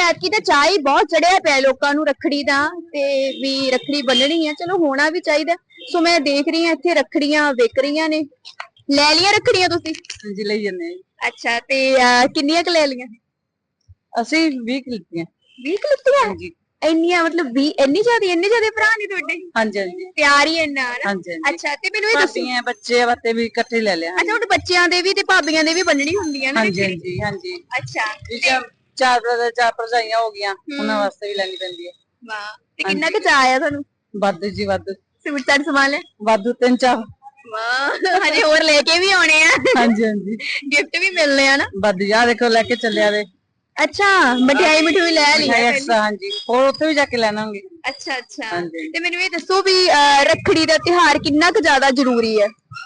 ਐਤਕੀ ਤਾਂ ਚਾਹ ਹੀ ਬਹੁਤ ਚੜਿਆ ਪਿਆ ਲੋਕਾਂ ਨੂੰ ਰੱਖੜੀ ਦਾ ਤੇ ਵੀ ਰੱਖੜੀ ਬੰਨਣੀ ਆ, ਚਲੋ ਹੋਣਾ ਵੀ ਚਾਹੀਦਾ। ਸੋ ਮੈਂ ਦੇਖ ਰਹੀ ਹਾਂ ਇੱਥੇ ਰੱਖੜੀਆਂ ਵਿਕ ਰਹੀਆਂ ਨੇ। ਲੈ ਲਿਆ ਰੱਖੜੀਆਂ ਤੁਸੀਂ? ਹਾਂਜੀ ਲਈ ਜੰਨੇ। ਅੱਛਾ, ਤੇ ਕਿੰਨੀਆਂ ਕੁ ਲੈ ਲਈਆਂ? ਅਸੀਂ 20 ਲਿੱਤੀਆਂ। 20 ਲਿੱਤੀਆਂ? ਹਾਂਜੀ। ਇੰਨੀਆਂ ਮਤਲਬ 20 ਇੰਨੇ ਜ਼ਿਆਦਾ ਭਰਾ ਨੇ ਤੁਹਾਡੇ? ਹਾਂਜੀ ਹਾਂਜੀ। ਪਿਆਰ ਹੀ ਇੰਨਾ ਹੈ ਨਾ। ਹਾਂਜੀ ਹਾਂਜੀ। ਅੱਛਾ, ਤੇ ਮੈਨੂੰ ਇਹ ਦੱਸੋ ਭਾਬੀਆਂ ਬੱਚੇ ਵਾਸਤੇ ਵੀ ਇਕੱਠੇ ਲੈ ਲਿਆ। ਅੱਛਾ, ਹੁਣ ਬੱਚਿਆਂ ਦੇ ਵੀ ਤੇ ਭਾਬੀਆਂ ਦੇ ਵੀ ਬੰਨਣੀ ਹੁੰਦੀ ਹੈ ਨਾ ਹਾਂਜੀ ਰੱਖੜੀ? ਹਾਂਜੀ ਹਾਂਜੀ। ਅੱਛਾ, ਚਾਰ ਬ੍ਰਦਰ ਚਾਰ ਭਰਜਾਈਆਂ ਹੋ ਗਈਆਂ, ਉਹਨਾਂ ਵਾਸਤੇ ਵੀ ਲੈਣੀ ਪੈਂਦੀ ਹੈ। ਵਾਹ, ਤੇ ਕਿੰਨਾ ਕੁ ਚਾਅ ਆਇਆ ਤੁਹਾਨੂੰ? ਵਾਧੂ ਜੀ ਵਾਧੂ। ਸੂਟ ਸਾਟ ਸਮਾਨ ਲੈ? ਵਾਧੂ 3-4। ਵਾਹ, ਹਜੇ ਹੋਰ ਲੈ ਕੇ ਵੀ ਆਉਣੇ ਆ। ਹਾਂਜੀ ਹਾਂਜੀ। ਗਿਫਟ ਵੀ ਮਿਲਨੇ ਆ ਨਾ। ਵਧੀਆ ਦੇਖੋ ਲੈ ਕੇ ਚੱਲਿਆ ਵੇ। ਅੱਛਾ, ਮਠਿਆਈ ਮਠੂਈ ਲੈ ਲਈ ਹੈ ਪਹਿਲੀ? ਹਾਂਜੀ, ਹੋਰ ਉੱਥੇ ਵੀ ਜਾ ਕੇ ਲੈਣਾਂਗੇ। ਅੱਛਾ ਅੱਛਾ। ਤੇ ਮੈਨੂੰ ਇਹ ਦੱਸੋ ਵੀ ਰੱਖੜੀ ਦਾ ਤਿਉਹਾਰ ਕਿੰਨਾ ਕੁ ਜ਼ਿਆਦਾ ਜ਼ਰੂਰੀ ਹੈ?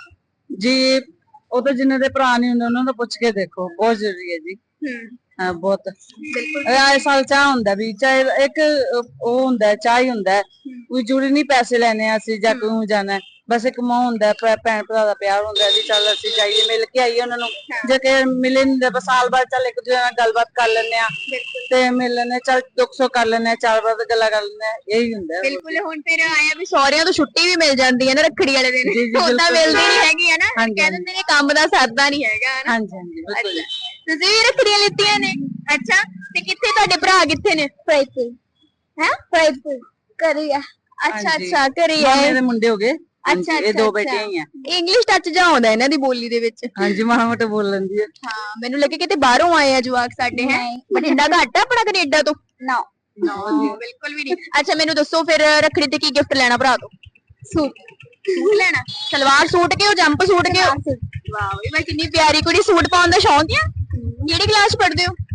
ਜੀ ਉਹ ਤਾਂ ਜਿੰਨੇ ਦੇ ਭਰਾ ਨਹੀਂ ਹੁੰਦੇ ਉਹਨਾਂ ਤੋਂ ਪੁੱਛ ਕੇ ਦੇਖੋ, ਬਹੁਤ ਜ਼ਰੂਰੀ ਹੈ ਜੀ। ਹਾਂ ਬਹੁਤ। ਆਏ ਸਾਲ ਚਾਹ ਹੁੰਦਾ ਵੀ, ਚਾਹੇ ਇੱਕ ਉਹ ਹੁੰਦਾ ਚਾਹ ਹੀ ਹੁੰਦਾ, ਕੋਈ ਜ਼ਰੂਰੀ ਨਹੀਂ ਪੈਸੇ ਲੈਣੇ ਆ ਅਸੀਂ ਜਾਂ ਕਿਉਂ ਜਾਣਾ, ਬਸ ਇੱਕ ਮੋਹ ਹੁੰਦਾ, ਭੈਣ ਭਰਾ ਦਾ ਪਿਆਰ ਹੁੰਦਾ ਵੀ ਚੱਲ ਅਸੀਂ ਜਾਈਏ ਮਿਲ ਕੇ ਆਈਏ ਉਹਨਾਂ ਨੂੰ। ਜੇ ਕਿ ਮਿਲੇ ਨੀ ਤਾਂ ਸਾਲ ਬਾਅਦ ਚੱਲ ਇੱਕ ਦੂਜੇ ਨਾਲ ਗੱਲਬਾਤ ਕਰ ਲੈਂਦੇ ਆ ਤੇ ਮਿਲ ਲੈਂਦੇ, ਚੱਲ ਦੁੱਖ ਸੁੱਖ ਕਰ ਲੈਂਦੇ ਆ, ਚਾਰ ਬਾਅਦ ਗੱਲਾਂ ਕਰ ਲੈਂਦੇ ਆ, ਇਹੀ ਹੁੰਦਾ। ਬਿਲਕੁਲ। ਹੁਣ ਫਿਰ ਆਇਆ ਵੀ ਸਹੁਰਿਆਂ ਤੋਂ ਛੁੱਟੀ ਵੀ ਮਿਲ ਜਾਂਦੀ ਹੈ ਨਾ ਰੱਖੜੀ ਵਾਲੇ ਦਿਨ, ਉਦਾਂ ਮਿਲਦੀ ਨਹੀਂ ਹੈਗੀ ਹੈ ਨਾ, ਕਹਿ ਦਿੰਦੇ ਨੇ ਕੰਮ ਦਾ ਸਰਦਾ ਨਹੀਂ ਹੈਗਾ ਹੈ ਨਾ। ਹਾਂਜੀ ਹਾਂਜੀ ਬਿਲਕੁਲ। ਤੁਸੀਂ ਵੀ ਰੱਖੜੀਆਂ ਲਿੱਤੀਆਂ ਨੇ? ਅੱਛਾ, ਤੇ ਕਿੱਥੇ ਤੁਹਾਡੇ ਭਰਾ ਕਿੱਥੇ ਨੇ? ਫਰੀਦਕੋਟ। ਹੈ ਫਰੀਦਕੋਟ ਘਰੇ ਆ। ਅੱਛਾ ਅੱਛਾ, ਘਰੇ ਆ। ਮਾਮੇ ਦੇ ਮੁੰਡੇ ਹੋ ਗਏ। ਅੱਛਾ ਇਹ ਦੋ ਬੇਟੀਆਂ ਹੀ ਆ। ਇੰਗਲਿਸ਼ ਟੱਚ ਜਾ ਆਉਂਦਾ ਇਹਨਾਂ ਦੀ ਬੋਲੀ ਦੇ ਵਿੱਚ। ਹਾਂਜੀ ਮਾੜਾ ਮੋਟਾ ਬੋਲ ਲੈਂਦੀ ਹੈ। ਹਾਂ, ਮੈਨੂੰ ਲੱਗੇ ਕਿਤੇ ਬਾਹਰੋਂ ਆਏ ਆ ਜਵਾਕ ਸਾਡੇ। ਹੈ ਬਠਿੰਡਾ ਘੱਟ ਆ ਆਪਣਾ ਕੈਨੇਡਾ ਤੋਂ? ਨਾ ਬਿਲਕੁਲ ਵੀ ਨਹੀਂ। ਅੱਛਾ, ਮੈਨੂੰ ਦੱਸੋ ਫਿਰ ਰੱਖੜੀ ਤੇ ਕੀ ਗਿਫਟ ਲੈਣਾ ਭਰਾ ਤੋਂ? ਸੂਟ। ਸੂਟ ਲੈਣਾ? ਸਲਵਾਰ ਸੂਟ ਕੇ ਉਹ ਜੰਪ ਸੂਟ ਕੇ? ਵਾਹ ਬਈ, ਮੈਂ ਕਿੰਨੀ ਪਿਆਰੀ ਕੁੜੀ, ਸੂਟ ਪਾਉਣ ਦਾ ਸ਼ੌਂਕ ਆ? ਕਿਹੜੀ ਕਲਾਸ ਪੜ੍ਹਦੇ ਹੋ?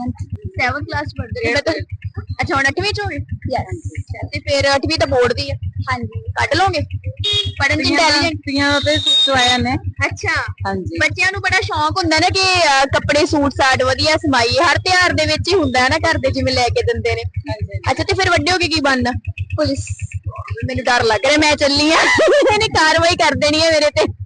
7th ਕਲਾਸ ਪੜ੍ਹਦੇ ਹੋ? ਅੱਛਾ, ਹੁਣ 8ਵੀਂ ਚ ਹੋ ਗਏ? ਯੈਸ। ਤੇ ਫਿਰ 8ਵੀਂ ਤਾਂ ਬੋਰਡ ਦੀ ਆ? ਹਾਂਜੀ। ਕੱਢ ਲੋਗੇ? ਪੜਨ ਚ ਇੰਟੈਲੀਜੈਂਟ ਤੇ ਸਵਾਇਆ ਨੇ। ਅੱਛਾ। ਹਾਂਜੀ। ਬੱਚਿਆਂ ਨੂੰ ਬੜਾ ਸ਼ੌਂਕ ਹੁੰਦਾ ਨਾ ਕਿ ਕੱਪੜੇ ਸੂਟ ਸਾਟ ਵਧੀਆ ਸਮਾਈਏ, ਹਰ ਤਿਉਹਾਰ ਦੇ ਵਿੱਚ ਹੀ ਹੁੰਦਾ ਨਾ, ਘਰ ਦੇ ਜਿਵੇਂ ਲੈ ਕੇ ਦਿੰਦੇ ਨੇ। ਅੱਛਾ, ਤੇ ਫਿਰ ਵੱਡੇ ਹੋ ਕੇ ਕੀ ਬਣਨਾ? ਪੁਲਿਸ। ਮੈਨੂੰ ਡਰ ਲੱਗ ਰਿਹਾ, ਮੈਂ ਚੱਲੀ ਆ, ਇਹਨੇ ਕਾਰਵਾਈ ਕਰ ਦੇਣੀ ਹੈ ਮੇਰੇ ਤੇ।